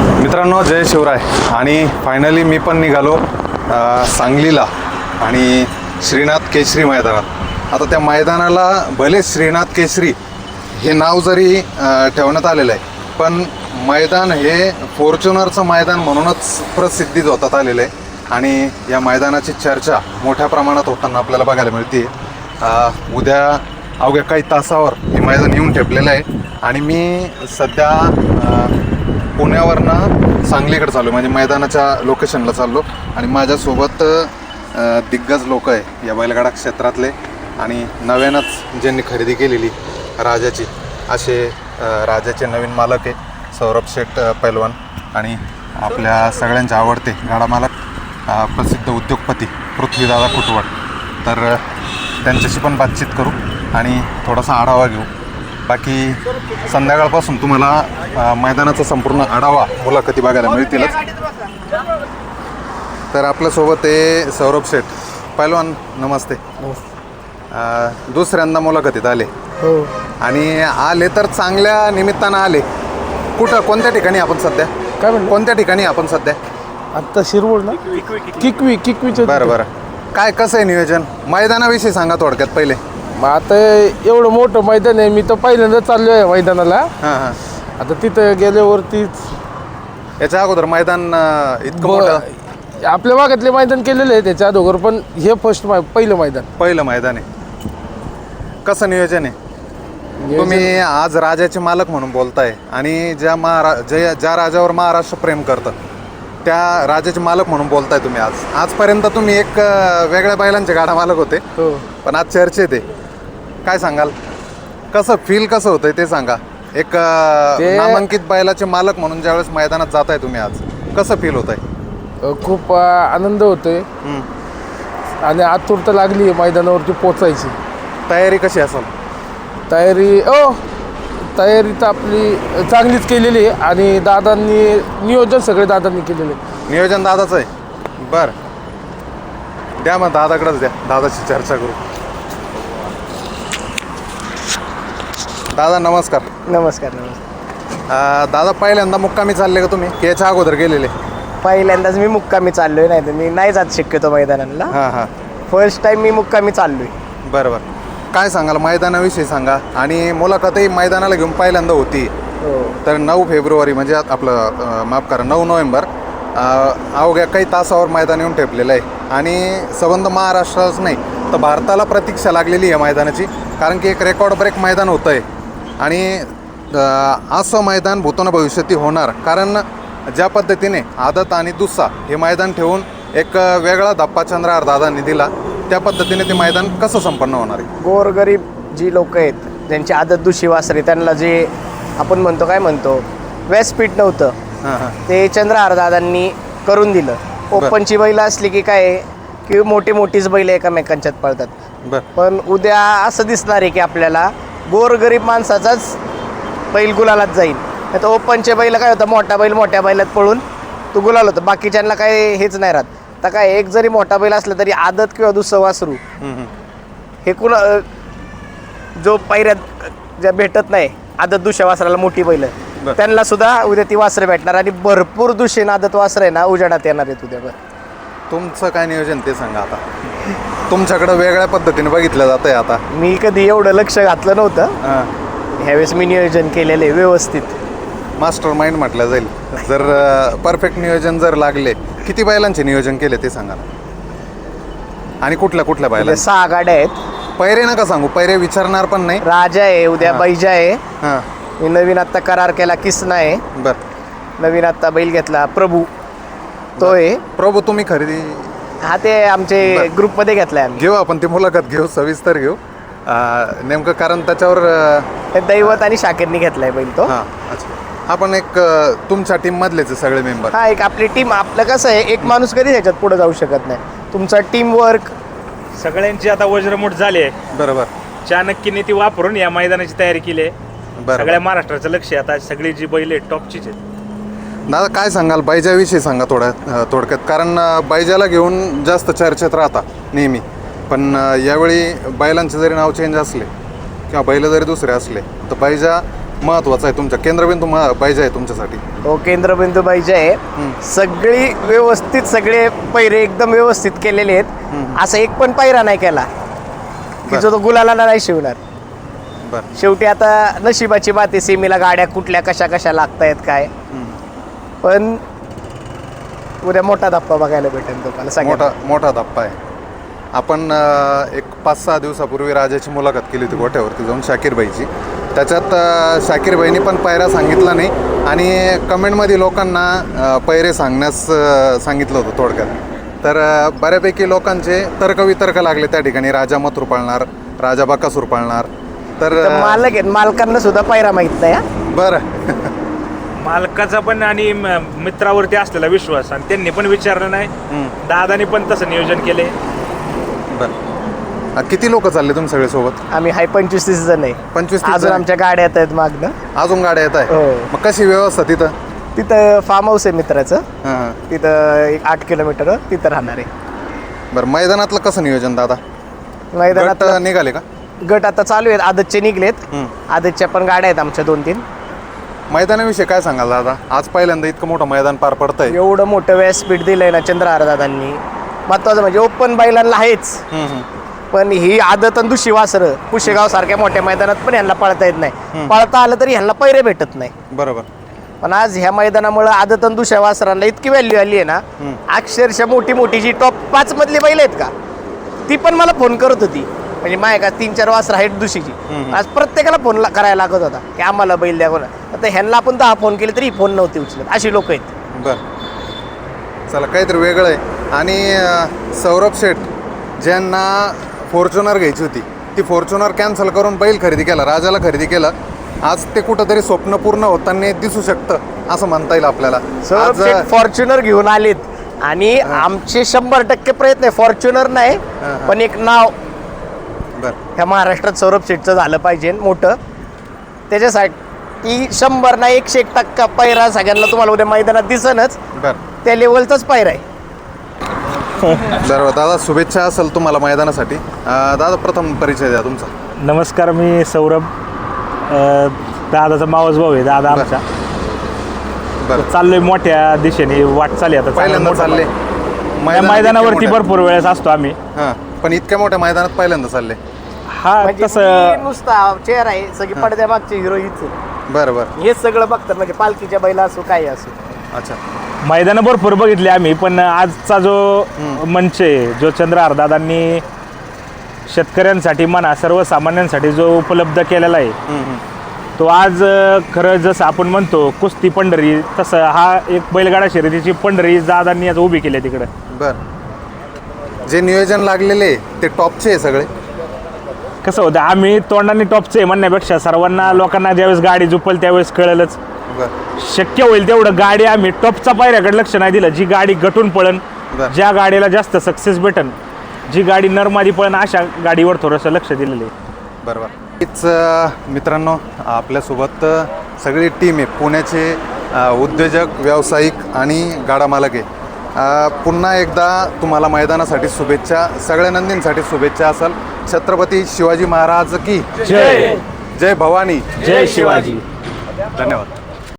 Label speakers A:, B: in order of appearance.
A: मित्रांनो, जय शिवराय. आणि फायनली मी पण निघालो सांगलीला आणि श्रीनाथ केसरी मैदानात. आता त्या मैदानाला भले श्रीनाथ केसरी हे नाव जरी ठेवण्यात आलेलं आहे, पण मैदान हे फॉर्च्युनरचं मैदान म्हणूनच प्रसिद्धीत होतात आलेलं आहे. आणि या मैदानाची चर्चा मोठ्या प्रमाणात होताना आपल्याला बघायला मिळते. उद्या अवघ्या काही तासावर हे मैदान येऊन ठेपलेलं आहे. आणि मी सध्या पुण्यावरनं सांगलीकडे चाललो, म्हणजे मैदानाच्या लोकेशनला चाललो. आणि माझ्यासोबत दिग्गज लोक आहे या बैलगाडा क्षेत्रातले आणि नव्यानंच ज्यांनी खरेदी केलेली राजाची, असे राजाचे नवीन मालक आहे सौरभ शेठ पैलवान आणि आपल्या सगळ्यांचे आवडते गाडा मालक प्रसिद्ध उद्योगपती पृथ्वीदादा कुटवड. तर त्यांच्याशी पण बातचीत करू आणि थोडासा आढावा घेऊ. बाकी संध्याकाळपासून तुम्हाला मैदानाचा संपूर्ण आढावा मुलाखती बघायला मिळतीलच. तर आपल्यासोबत आहे सौरभ शेठ पैलवान. नमस्ते. दुसऱ्यांदा मुलाखतीत आले
B: हो.
A: आणि आले तर चांगल्या निमित्तानं आले. कुठं, कोणत्या ठिकाणी आपण सध्या?
B: काय म्हणलं?
A: कोणत्या ठिकाणी आपण सध्या?
B: आत्ता शिरवळ ना, किकवीच्या
A: बरं बरं. काय कसं आहे नियोजन? मैदानाविषयी सांगा थोडक्यात पहिले.
B: मग आता एवढं मोठं मैदान आहे, मी तर पहिल्यांदा चाललो आहे मैदानाला.
A: हां हां.
B: आता तिथं गेल्यावरतीच
A: याच्या अगोदर मैदान इतकं मोठं
B: आपल्या भागातले मैदान केलेले आहे त्याच्या अगोदर, पण हे पहिलं मैदान
A: आहे. कसं नियोजन आहे? तुम्ही आज राजाचे मालक म्हणून बोलताय आणि ज्या राजावर महाराष्ट्र प्रेम करतं त्या राजाचे मालक म्हणून बोलताय तुम्ही. आजपर्यंत तुम्ही एक वेगळ्या बैलांचे गाडा मालक होते,
B: हो.
A: पण आज चर्चेत आहे. काय सांगाल? कसं फील कसं होतंय ते सांगा. एक नामांकित बैलाचे मालक म्हणून ज्यावेळेस मैदानात जाताय तुम्ही, आज कसं फील होत आहे?
B: खूप आनंद होतोय आणि आतुरता लागली आहे मैदानावरती पोचायची.
A: तयारी कशी असेल?
B: तयारी तर आपली चांगलीच केलेली आहे आणि दादांनी नियोजन सगळे दादांनी केलेले आहे.
A: नियोजन दादाचं आहे. बरं, द्या मग दादाकडेच द्या, दादाशी चर्चा करू. दादा नमस्कार.
C: नमस्कार.
A: दादा पहिल्यांदा मुक्कामी चालले का तुम्ही, की याच्या अगोदर गेलेले?
C: पहिल्यांदाच मी मुक्कामी चाललोय, नाही तर मी नाही जात शक्यतो मैदानाला.
A: हां हां.
C: फर्स्ट टाइम मी मुक्कामी चाललोय.
A: बरं बरं. काय सांगाल मैदानाविषयी सांगा. आणि मुलाखतही मैदानाला घेऊन पहिल्यांदा होती. तर 9 फेब्रुवारी म्हणजे आपलं माफ करा 9 नोव्हेंबर अवघ्या काही तासावर मैदान येऊन ठेपलेलं आहे. आणि संबंध महाराष्ट्राच नाही तर भारताला प्रतीक्षा लागलेली आहे मैदानाची, कारण की एक रेकॉर्ड ब्रेक मैदान होतं आहे. आणि असं मैदान भूतोन भविष्याती होणार, कारण ज्या पद्धतीने आदत आणि दुस्सा हे मैदान ठेवून एक वेगळा धप्पा चंद्रहार दादांनी दिला, त्या पद्धतीने ते मैदान कसं संपन्न होणार आहे?
C: गोरगरीब जी लोक आहेत ज्यांची आदत दुशी वासरे, त्यांना जे आपण म्हणतो व्यासपीठ नव्हतं, ते चंद्रहार दादांनी करून दिलं. ओपनची बैल असली की काय की मोठीच बैल एकामेकांच्यात पळतात. पण उद्या असं दिसणार आहे की आपल्याला गोरगरीब माणसाचाच बैल गुलालात जाईल. नाही तर ओपनचे बैल काय होतं, मोठा बैल मोठ्या बैलात पळून तो गुलाल होतं, बाकीच्यांना काय हेच नाही राहत. तर काय एक जरी मोठा बैल असला तरी आदत किंवा दुसरं वासरू हे जो पैऱ्यात ज्या भेटत नाही आदत दुसऱ्या वासराला मोठी बैल, त्यांना सुद्धा उद्या ती वासरं भेटणार आणि भरपूर दुसरे आदत वासरं आहे ना उजेडात येणार आहेत उद्या.
A: तुमचं काय नियोजन ते सांगा. आता तुमच्याकडं वेगळ्या पद्धतीने बघितलं जात आहे. आता
C: मी कधी एवढं लक्ष घातलं नव्हतं, ह्यावेळेस मी नियोजन केलेलं आहे व्यवस्थित.
A: मास्टर माइंड म्हटलं जाईल. जर परफेक्ट नियोजन जर लागले, किती बैलांचे नियोजन केले ते सांगा. आणि कुठल्या बैला?
C: 6 गाड्या आहेत.
A: पैरे नका सांगू, पैरे विचारणार पण नाही.
C: राजा आहे, उद्या बैजा आहे. मी नवीन आत्ता करार केला किसना आहे. नवीन आत्ता बैल घेतला प्रभू, तो आहे.
A: प्रभू तुम्ही खरेदी?
C: हा, ते आमचे ग्रुपमध्ये घेतलाय आम्ही.
A: घेऊ आपण ती मुलाखत घेऊ, सविस्तर घेऊ नेमकं, कारण त्याच्यावर
C: दैवत आणि शाकीरनी घेतलाय बैल तो.
A: अच्छा. आपण एक तुमच्या टीम मधलेच सगळे मेंबर?
C: हा, एक आपली टीम. आपलं कसं आहे, एक माणूस कधी ह्याच्यात पुढे जाऊ शकत नाही. तुमचा टीम वर्क
D: सगळ्यांची आता वज्रमूठ झाली आहे.
A: बरोबर.
D: चाणक्यने ती वापरून या मैदानाची तयारी केली आहे. सगळ्या महाराष्ट्राचं लक्ष आहे आता. सगळी जी बैल आहेत टॉपचीच आहेत.
A: दादा काय सांगाल बैजाविषयी सांगा थोडक्यात, कारण बैजाला घेऊन जास्त चर्चेत राहता नेहमी, पण यावेळी बैलांचे जरी नाव चेंज असले किंवा बैल जरी दुसरे असले तर बैजा महत्वाचा आहे तुमच्या केंद्रबिंदू पाहिजे आहे तुमच्यासाठी.
C: हो, केंद्रबिंदू पाहिजे आहे. सगळी व्यवस्थित, सगळे पैरे एकदम व्यवस्थित केलेले आहेत. असा एक पण पैरा नाही केला की जो तो गुलाला नाही शिवणार.
A: बरं.
C: शेवटी आता नशिबाची बात आहे. सेमीला गाड्या कुठल्या कशा कशा लागतायत काय, पण उद्या मोठा धप्पा बघायला भेटेल तुम्हाला सगळ्यांना.
A: मोठा धप्पा आहे. आपण एक 5-6 दिवसापूर्वी राजाची मुलाखत केली होती गोठ्यावरती जाऊन शाकीरबाईची. त्याच्यात शाकीरबाईंनी पण पायऱ्या सांगितला नाही आणि कमेंटमध्ये लोकांना पैरे सांगण्यास सांगितलं होतं थोडक्यात. तर बऱ्यापैकी लोकांचे तर्कवितर्क लागले त्या ठिकाणी. राजा मथुर पाळणार, राजा बकासूर पाळणार. तर
C: मालक आहेत, मालकांना सुद्धा पैरा माहित नाही.
A: बरं.
D: मालकाचा पण आणि मित्रावरती असलेला विश्वास आणि त्यांनी पण विचारलं नाही. दादानी पण तसं नियोजन केले.
A: बरं. किती लोक चालले तुम्ही सगळे सोबत?
C: आम्ही 25-30 जण आहे.
A: 25-30
C: अजून
A: जण?
C: आमच्या गाड्या येत आहेत मागणं.
A: अजून गाड्या येत आहे?
C: हो.
A: मग कशी व्यवस्था तिथं?
C: तिथं फार्म हाऊस आहे मित्राचं.
A: हां.
C: तिथं एक 8 किलोमीटर तिथं राहणार आहे.
A: बरं, मैदानातलं कसं नियोजन दादा?
C: मैदानात
A: गट निघाले का?
C: गट आता चालू आहेत. आदतचे निघलेत. आदतच्या पण गाड्या आहेत आमच्या 2-3.
A: मैदानाविषयी काय सांगाल दादा? आज पहिल्यांदा इतकं मोठं मैदान पार पडतंय.
C: एवढं मोठं व्यासपीठ दिलंय ना चंद्रहार दादांनी. महत्वाचं म्हणजे ओपन बैलांना आहेच, पण ही आदत आणि दुशी वासरं पुशेगाव सारख्या मोठ्या मैदानात पण ह्यांना पळता येत नाही. पळता आलं तरी ह्यांना पैरे भेटत नाही.
A: बरोबर.
C: पण आज ह्या मैदानामुळे आदत आणि दुसऱ्या वासरांना इतकी व्हॅल्यू आली आहे ना. अक्षरशः मोठी मोठी जी टॉप 5 मधली बैल आहेत का, ती पण मला फोन करत होती. म्हणजे माझ्या का 3-4 वासरं आहेत दुशीची. आज प्रत्येकाला फोन करायला लागत होता की आम्हाला बैल द्या कोणा. आता ह्यांना आपण 10 फोन केले तरी फोन नव्हते उचलत. अशी लोक आहेत.
A: बरं, चला काहीतरी वेगळं आहे. आणि सौरभ शेठ ज्यांना फॉर्च्युनर घ्यायची होती, ती फॉर्च्युनर कॅन्सल करून बैल खरेदी केला, राजाला खरेदी केलं. आज ते कुठंतरी स्वप्न पूर्ण होताना दिसू शकतं असं म्हणता येईल आपल्याला.
C: सौरभ शेठ फॉर्च्युनर घेऊन आलेत आणि आमचे 100% प्रयत्न आहे. फॉर्च्युनर नाही पण एक नाव ह्या महाराष्ट्रात सौरभ शेठचं झालं पाहिजे मोठं. त्याच्यासाठी 100 नाही 101% पैरा सगळ्यांना तुम्हाला उद्या मैदानात दिसनच. त्या लेवलचाच पैरा आहे.
A: बरोबर दादा, शुभेच्छा असेल तुम्हाला मैदानासाठी. दादा प्रथम परिचय द्या तुमचा.
D: नमस्कार, मी सौरभ, दादाचा मावस भाऊ आहे. दादा आमचा
A: बरं,
D: चाललोय मोठ्या दिशेने वाटचाल आहे. आता
A: पहिल्यांदा चालले
D: या मैदानावरती भरपूर वेळेस असतो आम्ही.
A: हां, पण इतक्या मोठ्या मैदानात पहिल्यांदा चालले.
D: हा,
C: म्हणजे
D: तसं
C: मी नुसता चेहरा आहे, सगळी पडद्या मागचे हिरो हीच आहे.
A: बरं बरं.
C: हे सगळं बघतात म्हणजे पालखीच्या बैला असो काय असो.
A: अच्छा.
D: मैदानं भरपूर बघितले आम्ही, पण आजचा जो मंच आहे, जो चंद्रहार दादांनी शेतकऱ्यांसाठी म्हणा सर्वसामान्यांसाठी जो उपलब्ध केलेला आहे, तो आज खरं जसं आपण म्हणतो कुस्ती पंढरी, तसं हा एक बैलगाडा शर्यतीची पंढरी दादांनी आज उभी केली आहे तिकडं.
A: बरं, जे नियोजन लागलेले ते टॉपचे आहे सगळे.
D: कसं होतं, आम्ही तोंडाने टॉपचे आहे म्हणण्यापेक्षा सर्वांना लोकांना ज्यावेळेस गाडी झुपल त्यावेळेस कळलंच. शक्य होईल तेवढं गाडी आम्ही टॉपचा पायऱ्याकडे लक्ष नाही दिलं. जी गाडी गटून पळन, ज्या गाडीला जास्त सक्सेस भेटन, जी गाडी नरमादी पळन, अशा गाडीवर थोडंसं लक्ष दिलेलं आहे.
A: बरोबर. हीच मित्रांनो आपल्यासोबत सगळी टीम आहे. पुण्याचे उद्योजक, व्यावसायिक आणि गाडा मालक आहे. पुन्हा एकदा तुम्हाला मैदानासाठी शुभेच्छा, सगळ्या नंदींसाठी शुभेच्छा असेल. छत्रपती शिवाजी महाराज की
D: जय.
A: जय भवानी,
D: जय शिवाजी.
A: धन्यवाद.